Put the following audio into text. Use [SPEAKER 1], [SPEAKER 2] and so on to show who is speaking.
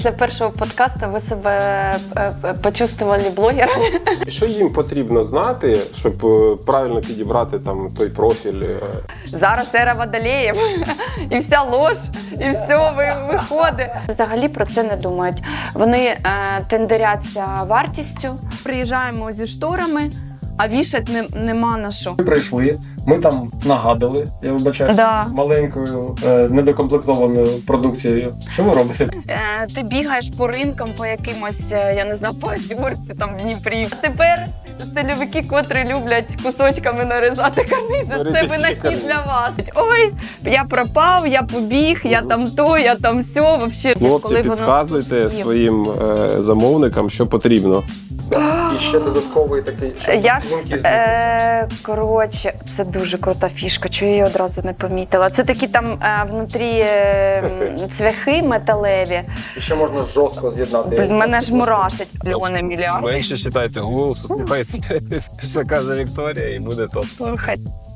[SPEAKER 1] Для першого подкасту ви себе почувствували блогерами?
[SPEAKER 2] Що їм потрібно знати, щоб правильно підібрати там той профіль?
[SPEAKER 1] Зараз ера водолеїв, і вся лож, і все виходить. Взагалі про це не думають. Вони тендеряться вартістю. Приїжджаємо зі шторами, а вішати нема на що.
[SPEAKER 3] Ми прийшли, ми там нагадали, я вибачаю,
[SPEAKER 1] Да.
[SPEAKER 3] маленькою недокомплектованою продукцією. Що ви робите?
[SPEAKER 1] Ти бігаєш по ринкам, по якимось, я не знаю, по Озерці, там в Дніпрі. Тепер стильовики, котрі люблять кусочками нарізати карнизи, це винахід для вас. Ой, я пропав, я побіг, я там то, я там сьо. Вообще,
[SPEAKER 2] Хлопці, підказуйте своїм замовникам, що потрібно.
[SPEAKER 3] І ще додатковий такий...
[SPEAKER 1] Я ж, коротше, це дуже крута фішка, чого я її одразу не помітила. Це такі там внутрі цвяхи металеві.
[SPEAKER 3] І ще можна жорстко з'єднати.
[SPEAKER 1] Мене ж мурашить. Мільйони, мільярди.
[SPEAKER 4] Менше читайте Google, слухайте, що каже Вікторія, і буде топ.
[SPEAKER 1] Слухай.